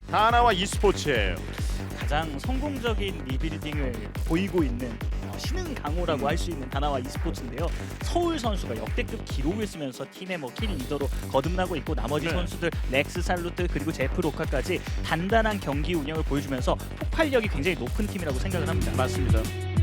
다나와 e스포츠예요. 가장 성공적인 리빌딩을 보이고 있는 신흥 강호라고 할 수 있는 다나와 e스포츠인데요. 서울 선수가 역대급 기록을 쓰면서 팀의 킬 리더로 거듭나고 있고 나머지 네. 선수들 렉스 살루트 그리고 제프 로카까지 단단한 경기 운영을 보여주면서 폭발력이 굉장히 높은 팀이라고 생각을 합니다. 맞습니다.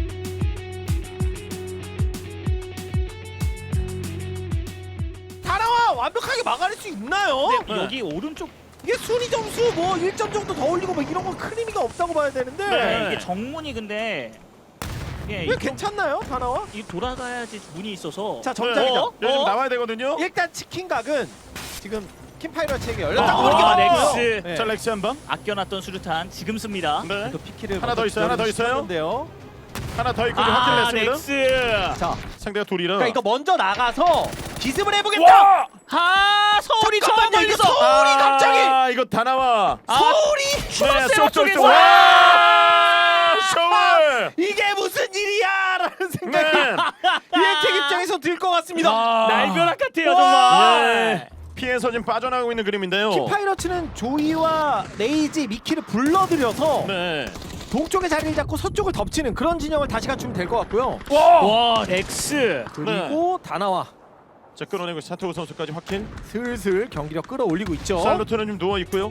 다나와 완벽하게 막아낼 수 있나요? 근데 여기 오른쪽 이게 순위 점수 뭐 1점 정도 더 올리고 뭐 이런 건 큰 의미가 없다고 봐야 되는데 네, 이게 정문이 근데 예, 왜 괜찮나요 다나와? 이 돌아가야지 문이 있어서 자 정작이죠. 여기 좀 나와야 되거든요. 일단 치킨 각은 지금 킴파이러츠에게 열렸다고 아, 보는 게 맞고요. 넥스. 네. 자 렉스 한 방. 아껴놨던 수류탄 지금 씁니다. 네. 또 피키를 하나 더 있어요, 하나 더 있어요. 인데요. 하나 더 있고 확실히 냈습니다. 넥스. 자, 상대가 둘이라. 그러니까 이거 먼저 나가서 기습을 해보겠다. 아 서울이 저 잠깐만요, 이거 멀리서 서울이 갑자기 이거 다 나와. 서울이 네, 쏙쏙쏙. 와! 와! 서울. 이게 무슨 일이야라는 네. 생각이 이엔텍 입장에서 들 것 같습니다. 날벼락 같아요 와! 정말. 네. 피해서 지금 빠져나가고 있는 그림인데요. 킴파이러츠는 조이와 레이지, 미키를 불러들여서 네. 동쪽에 자리를 잡고 서쪽을 덮치는 그런 진영을 다시 갖추면 될 것 같고요. 와 넥스. 그리고 다나와 자 끌어내고 사토우 선수까지 확인. 슬슬 경기력 끌어올리고 있죠. 살루트는 좀 누워 있고요.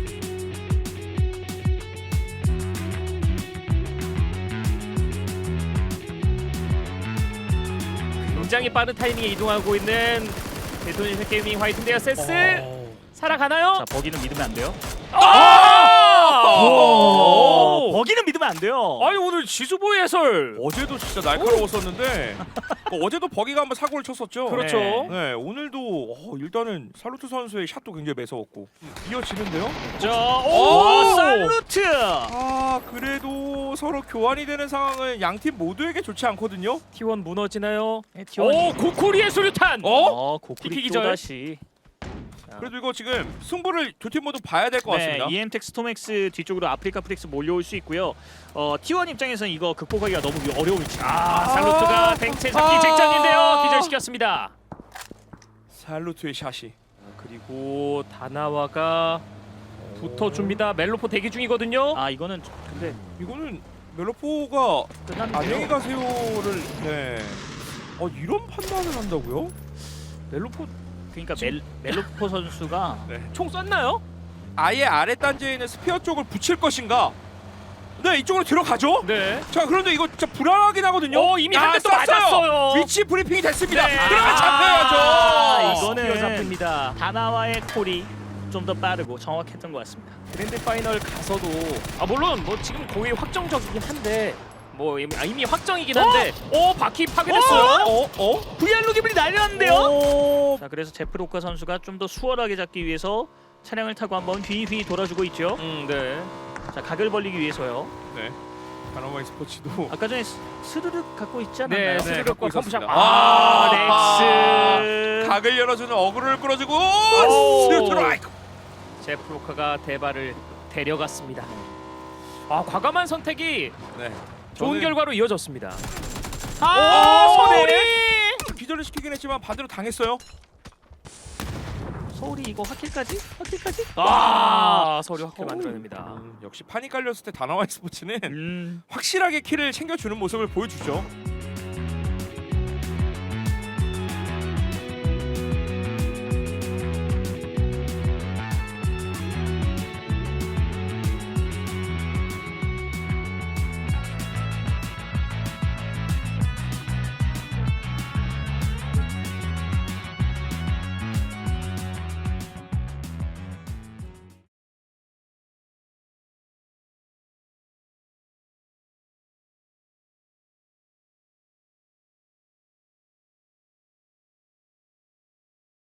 굉장히 빠른 타이밍에 이동하고 있는 데토니션 게이밍 화이트인데요. 세스 살아가나요? 자 버기는 믿으면 안 돼요. 오! 버기는 믿으면 안 돼요. 아니 오늘 지수보이 해설 어제도 진짜 날카로웠었는데 어제도 버기가 한번 사고를 쳤었죠. 그렇죠. 네, 오늘도 일단은 살루트 선수의 샷도 굉장히 매서웠고 이어지는데요. 자, 오! 와 살루트. 아 그래도 서로 교환이 되는 상황은 양팀 모두에게 좋지 않거든요. T1 무너지나요? 네, T1 이- 고코리의 수류탄. 고쿠리 TP 또 기절. 다시. 그래도 이거 지금 승부를 두 팀 모두 봐야 될 것 같습니다. 네, EM텍 스톰엑스 뒤쪽으로 아프리카 프렉스 몰려올 수 있고요. T1 입장에서는 이거 극복하기가 너무 어려운 위치. 살루트가 뱅체 잡기 직전인데요. 기절시켰습니다. 살루트의 샷이. 그리고 다나와가 붙어줍니다. 멜로포 대기 중이거든요. 아 이거는 근데 이거는 멜로포가 끝났는데요. 안녕히 가세요를 이런 판단을 한다고요? 멜로포 그러니까 멜로포 선수가 총 쐈나요? 아예 아래 단지에 있는 스피어 쪽을 붙일 것인가? 네 이쪽으로 들어가죠. 네. 자 그런데 이거 진짜 불안하긴 하거든요. 이미 한 대 또 맞았어요. 위치 브리핑이 됐습니다. 그러면 잡혀야죠. 이거는 스피어 잡힙니다. 다나와의 콜이 좀 더 빠르고 정확했던 것 같습니다. 그랜드 파이널 가서도 물론 뭐 지금 거의 확정적이긴 한데 뭐 이미 확정이긴 한데 바퀴 파괴됐어요. VR 로기블이 날렸는데요. 자 그래서 제프 로카 선수가 좀 더 수월하게 잡기 위해서 차량을 타고 한번 휘휘 돌아주고 있죠. 네. 자 각을 벌리기 위해서요. 네. 다나와 스포츠도 아까 전에 스르륵 갖고 있지 않았나요? 스르륵과 펌프샷. 넥스. 각을 열어주는 어그로를 끌어주고 스트라이크. 제프 로카가 대발을 데려갔습니다. 과감한 선택이 좋은 결과로 이어졌습니다. 서울이 기절을 시키긴 했지만 반대로 당했어요. 서울이 이거 확킬까지? 서울이 확킬 만들어냅니다. 역시 판이 깔렸을 때 다나와 스포츠는 확실하게 킬을 챙겨주는 모습을 보여주죠.